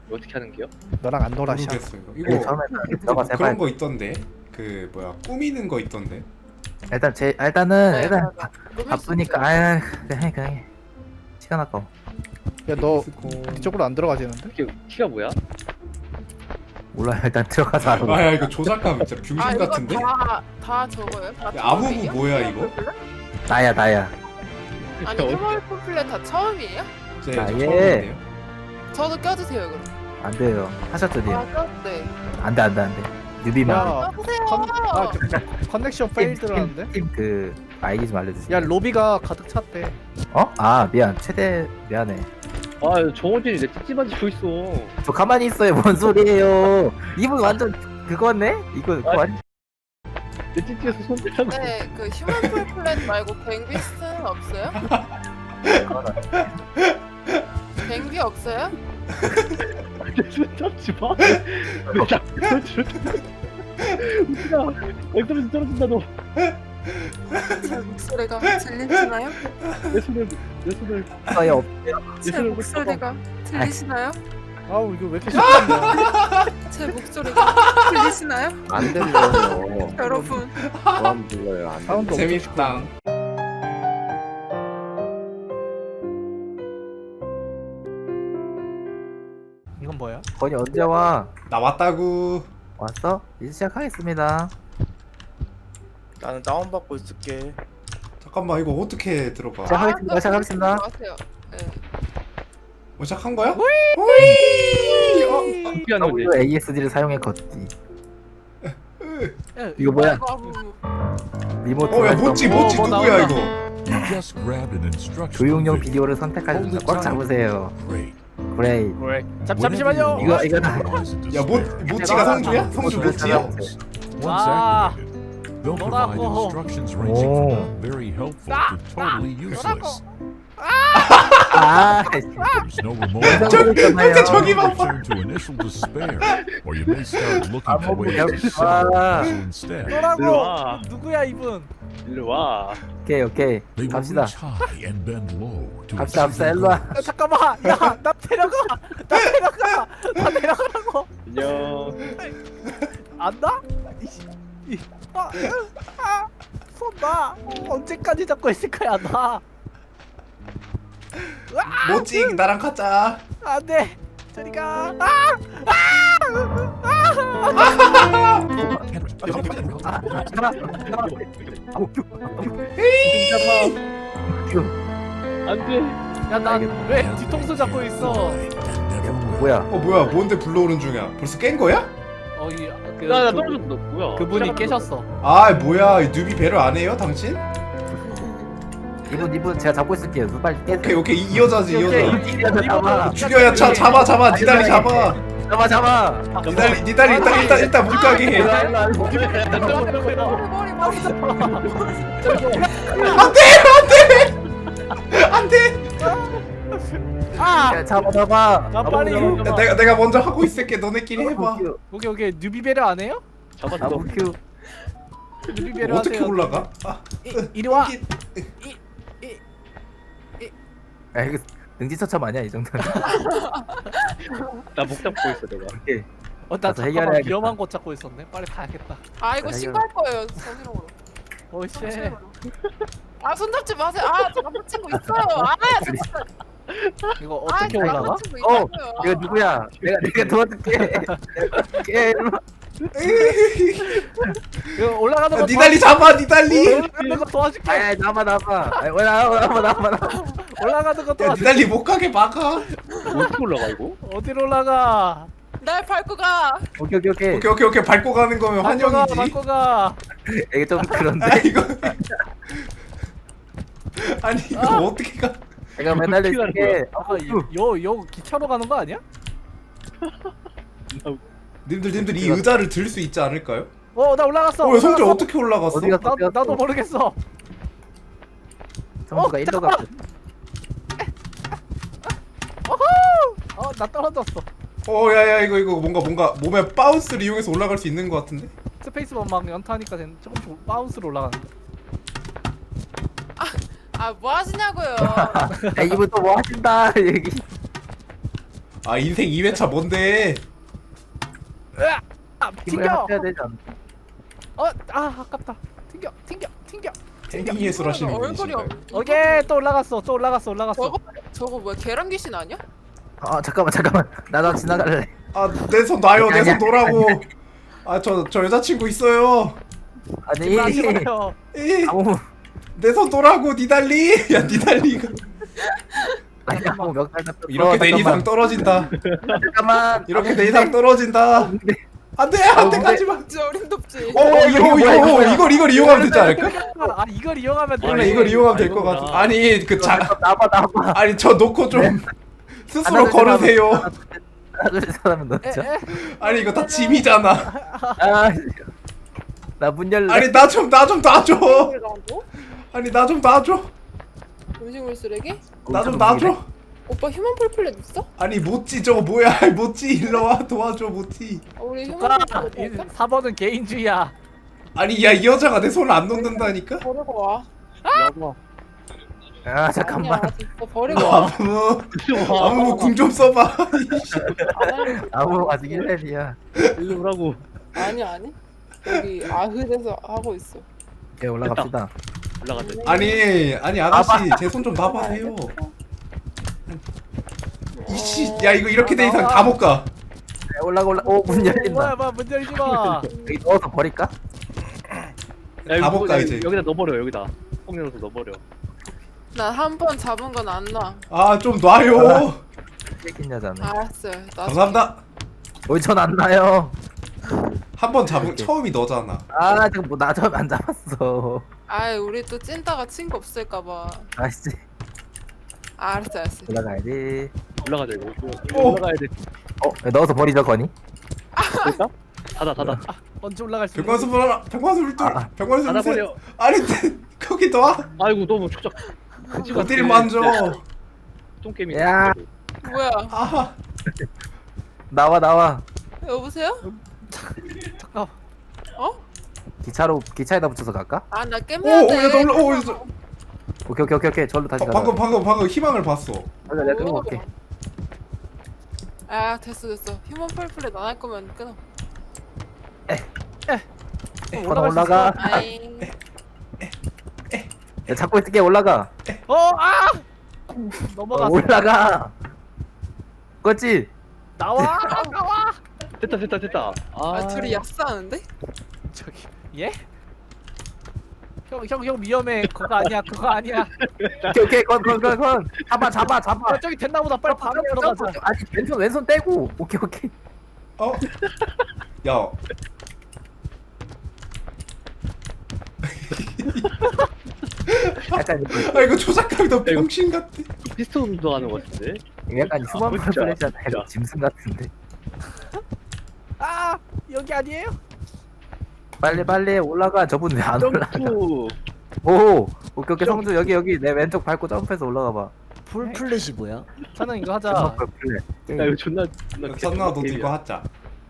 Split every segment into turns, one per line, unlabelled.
어떻게 하는 게요?
너랑 안 놀아 샤.
모르겠어 이거.
이게
이거
처음에
뭐
들어가서
그런
해봐야
거 있던데. 그 뭐야 꾸미는 거 있던데.
일단은
네,
일단
맞아. 녹일 수
바쁘니까
있어요.
아 그냥 해. 시간 아까워.
야너
스코.
이쪽으로 안 들어가지는데?
키가 뭐야?
몰라 일단 들어가서 알아.
아야 이거 조작감 진짜 병신
아 이거
같은데.
다 저거예요? 다
야, 아무무
처음이에요?
뭐야, 이거?
나야.
아니 휴먼 폼플렛 다 처음이에요?
네,
아,
저
예.
처음인데요.
저도 껴주세요 그럼.
안 돼요. 하셨더니
아 껴네.
안돼. 뉴비만.
야
껴주세요.
커넥션 페일드라는데?
팀그 아이디 좀 알려주세요.
야 로비가 가득 찼대.
어? 아 미안. 최대 미안해.
아 정호진이 내 찝찝한 짓고 있어.
저 가만히 있어요. 뭔 소리예요? 이분 완전 그거네? 이거 그거
아,
완전
내 찝찝해서 손 대라고.
네, 그 휴먼 폼플렛 말고 뱅비스트는 없어요? 뱅비 없어요?
손 잡지 마. 왜 자꾸 웃기다. 엉덩이 떨어진다 너.
제 목소리가 들리시나요?
내 손을
없어요.
제 목소리가 들리시나요?
아우 이거 왜 이렇게 시끄럽냐.
제 목소리가 들리시나요?
안 들려요.
여러분
안 들려요. 안 들려요.
사운드 엄청
재밌다.
이건 뭐야?
건이 언제 와?
나 왔다구.
왔어? 이제 시작하겠습니다.
나는 다운받고 있을게.
잠깐만 이거 어떻게 들어가?
자, 시작하겠습니다.
마세요. 네.
뭐 시작한 거야? 호이!
피하는 거지.
ASD를 사용해 걷기. 이거 뭐야?
아이고,
리모트
어야
활성.
모찌
뭐
누구야
나온다.
조용용
어,
조용용
비디오를 선택하십니다. 꽉 잡으세요. 그레이.
왜? 잠시만요.
이거 다
야 모찌가 성주야? 성주 모찌야?
아,
너라고.
오. 아,
진짜 저기만 봐.
너라고.
일로 와.
누구야 이분?
일로 와.
오케이. 갑시다. 갑시다. 일로 와.
야, 잠깐만. 야, 나 데려가. 나 데려가라고.
안녕.
안다? 손 나. 언제까지 잡고 있을 거야 나.
모찌 나랑 가자.
안돼. 저리 가.
안돼.
야, 나 왜 뒤통수 잡고 있어?
뭐야?
뭐야 뭔데 불러오는 중이야? 벌써 깬 거야?
나 떨어졌어. 너 뭐야?
그분이 깨셨어.
아 뭐야 이 뉴비 배를 안 해요 당신?
이분 제가 잡고 있을게요. 빨리 깨세요.
오케이 이 여자지 이 여자.
잡아.
죽여야 잡아 니 다리 잡아.
잡아.
니 다리 일단 물가게 해.
머리
안돼.
아!
잡아.
나 빨리.
내가 먼저 하고 있을게. 너네끼리 해봐.
오케이. 뉴비베르 안 해요?
잡았어.
큐.
뉴비베르
어떻게
하세요.
올라가? 아,
이리 와.
야 이거 능지처참 아니야 이 정도는.
나 목 잡고 있어 내가.
오케이.
나
가서
잠깐만
해결해야겠다.
위험한 곳 찾고 있었네. 빨리 가야겠다.
아 이거 신고할 거예요 정신으로.
오씨.
아 손잡지 마세요. 아 잘못 친구 있어요. 아 진짜.
이거 어떻게 올라가?
잘못 친구
어,
있다고요.
이거 누구야? 내가 도와줄게.
이거 올라가는 거
니 다리 잡아 니 다리.
올라가는 거 도와줄게.
아이 나봐. 왜 나봐.
올라가는 거
니
도와줄게.
다리 못 가게 막아.
어떻게 올라가 이거?
어디로 올라가?
날 밟고 가.
오케이.
오케이 밟고 가는 거면 환영이지.
밟고 가.
이게 좀
아
그런데.
이거 아니 이거 어떻게 가?
내가 매달려 있을게.
아까 요 기차로 가는 거 아니야?
님들 이 의자를 들 수 있지 않을까요?
나 올라갔어.
야 성주
올라갔어.
어떻게 올라갔어?
어디 갔어?
나도 모르겠어.
성수가 일로 갔어.
나 떨어졌어.
야야 이거 뭔가 몸에 바운스를 이용해서 올라갈 수 있는 것 같은데?
스페이스만 막 연타하니까 조금씩 바운스로 올라가는 거.
아 뭐 하시냐고요.
야 이분 또 뭐 하신다 얘기.
아 인생 2회차 뭔데?
아,
힘을
튕겨.
합쳐야 되지 않나?
아깝다. 튕겨.
엔딩 예술 하시는
얼굴이
분이신가요?
오케이 또 올라갔어.
저거 뭐야 계란 귀신 아니야?
잠깐만. 나도 지나갈래.
아 내 손 놔요. 내 손
아니야.
놓으라고. 아 저 여자친구 있어요.
아니
마시고요.
아무
내 손 놓으라고 니달리. 야 니달리가
아니 아무 멱살 잡혀.
이렇게 내 이상 떨어진다.
잠깐만.
이렇게 내 이상 떨어진다. 안돼 안돼 가지마.
진짜 어림덥지.
이걸 이용하면 되지 않을까?
아 이걸 이용하면 돼.
원래 이걸 이용하면 될 것 같아.
아니구나.
아니
나봐.
아니 저 놓고 좀 스스로 걸으세요.
하나 둘 사람은 넣자.
아니 이거 다 짐이잖아.
나 문 열래.
아니 나 좀 놔줘. 아니 나 좀 놔줘.
음식물 쓰레기?
나 좀 놔줘.
오빠 휴먼 폴플렛 있어?
아니 모찌 저거 뭐야? 모찌 일로 와 도와줘 모찌.
우리 휴먼
가.
폴플렛 할까?
4번은 개인주의야.
아니 야 이 여자가 내 손을 안 놓는다니까?
버리고 와.
잠깐만.
아니야, 진짜 버리고
너
와.
아무 궁 좀 써봐.
안 할래.
아무 아직 1렙이야.
일로 오라고.
아니. 여기 아흐에서 하고 있어.
예 올라갑시다.
올라가자.
아니 아가씨 제 손 좀 놔봐세요. 이씨 야 이거 이렇게 돼 이상 다 못 가.
올라가. 문 열린다.
뭐야 문 열지 마.
여기 넣어서 버릴까?
다 못 가, 이제.
여기다 넣어버려 여기다. 꼭 넣어서 넣어버려.
난 한 번 잡은 건 안 놔.
아 좀 놔요.
새끼 여자네.
알았어요. 나
감사합니다.
전안 나요.
한 번 잡은 처음이 너잖아.
지금 뭐나 처음 안 잡았어.
아이 우리 또 찐따가 친구 없을까봐.
아씨
알았어.
올라가야지.
올라가자 이거.
오.
올라가야 돼.
넣어서 버리죠 거니?
됐다? 닫아.
언제 올라갈 수
병관수 불어라. 병관수 불
아.
병관수 불
닫아버려.
아니 거기 놔.
아이고 너무 축적.
어디를 만져.
똥게임이.
야.
뭐야?
아
나와.
여보세요?
잠깐.
어?
기차에다 붙여서 갈까?
아 나 깨매야 돼.
오야 너 올라. 오
오케이. 절로 다시 가자.
방금 희망을 봤어.
맞아, 내가 끌고 갈게.
아 됐어. 휴먼 폴플렛 안 할 거면 끊어.
올라가.
아잉.
야, 잡고 있을게. 올라가.
넘어갔어.
올라가. 그렇지.
나와.
됐다.
아 둘이 약사하는데?
저기 예? 형 위험해. 그거 아니야.
오케이. 건. 잡아.
야, 저기 됐나 보다. 빨리 바로 들어가자.
아니 왼손 떼고. 오케이.
어? 야.
약간
아 이거 조작감이 너 병신 같아.
피스톤 운동하는 것 같은데.
약간 휴먼
진짜.
플래시한테
진짜.
짐승 같은데.
여기 아니에요?
빨리 올라가. 저분 왜 안 올라가?
점프.
오케이. 성주 여기 내 왼쪽 밟고 점프해서 올라가 봐.
풀플랫이 뭐야?
저는 이거 하자.
야 이거 존나
선나 너도 이거 하자.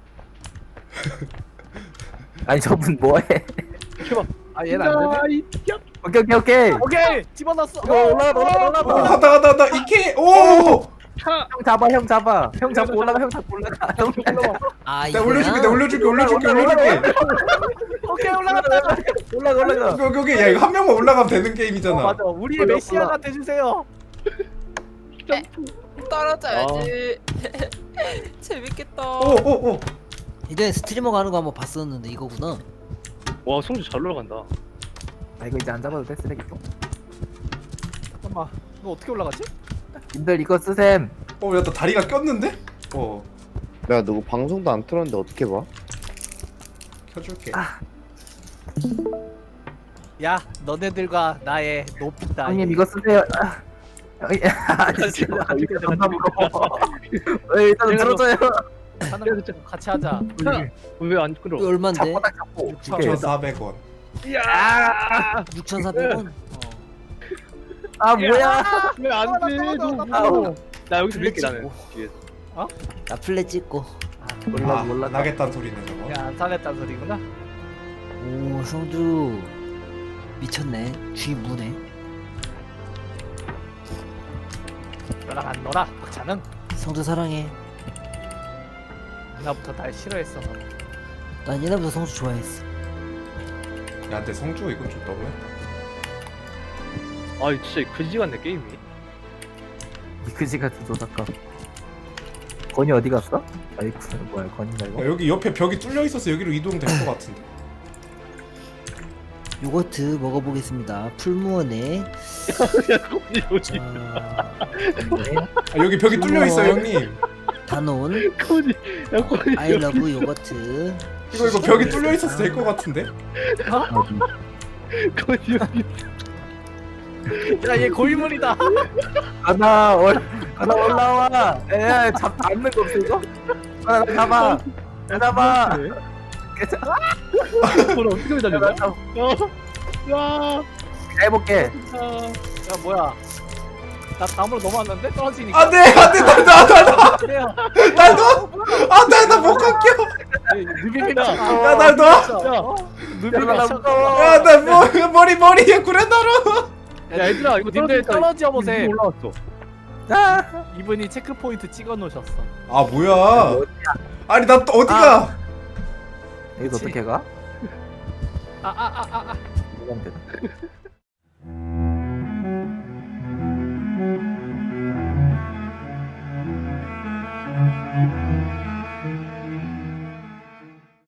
아니 저분 뭐해?
얘는 안 되네.
오케이.
오케이. 집어넣었어.
올라가.
하다 이케 오.
형 잡아. 형 잡고 올라가.
아
내가
이거야?
올려줄게.
오케이 올라갔다.
올라가.
여기 야 이거 한 명만 올라가면 되는 게임이잖아.
맞아. 우리의 메시아가 돼주세요.
떨어져야지. 재밌겠다.
오.
이제 스트리머가 하는 거 한번 봤었는데 이거구나.
와 성주 잘 올라간다.
이거 이제 안 잡아도 돼 쓰레기통.
잠깐만. 너 어떻게 올라가지?
님들 이거 쓰셈.
야 나 다리가 꼈는데?
내가 누구 방송도 안 틀었는데 어떻게 봐?
켜줄게.
야, 너네들과 나의 높이 따위.
형님 이거 쓰세요. 존나 무거워. 일단 들어줘요.
하는 거 같이 하자.
왜안 끌어?
이거 얼만데?
잡고 딱 잡고.
6,400원.
야.
6,400원?
뭐야?
왜안 돼?
아우.
나 여기서
플랫
밀게 나는.
찍고.
뒤에서.
나 플랫 찍고.
몰라.
나겠다는 소리네 저거.
야, 안 사겠다는 소리구나.
오 성주 미쳤네. 쥐 무네.
너랑 안 놀아. 박찬은.
성주 사랑해.
나부터 날 싫어했어.
난 옛날부터 성수 좋아했어.
야 근데 성주가 이건 좀 너무했다.
아 진짜 그지 같네 게임이.
이 그지 같은 도사감. 건이 어디 갔어? 아이쿠 뭐야 건인가 이거?
야, 여기 옆에 벽이 뚫려 있어서 여기로 이동될 것 같은데.
요거트 먹어보겠습니다. 풀무원에
야 거기 여기.
자,
아, 여기 벽이 뚫려 있어 형님.
다논
거기 야 거기
I love 요거트.
이거 벽이 뚫려 있어서 될 것 같은데.
어디?
거기 여기.
야얘 고인물이다.
하나 올라와. 에 잡는 거 없어 이거? 하나 잡아. 잡아.
그걸 어떻게 매달려? 야.
해볼게.
야 뭐야? 나 다음으로 넘어왔는데 떨어지니까.
안돼 안돼 나나
그래요.
나도 안돼 나 못 갈게요.
누비비나.
야날 놔.
야.
누비비나.
야나 머리에 구레나루.
야 얘들아 이거
님들
떨어지니까
떨어져 보세요.
이거 올라왔어.
아.
이분이 체크 포인트 찍어 놓으셨어.
아 뭐야? 아니 나 또 어디가?
여기서 어떻게 가?
아아아아.
이건 되나?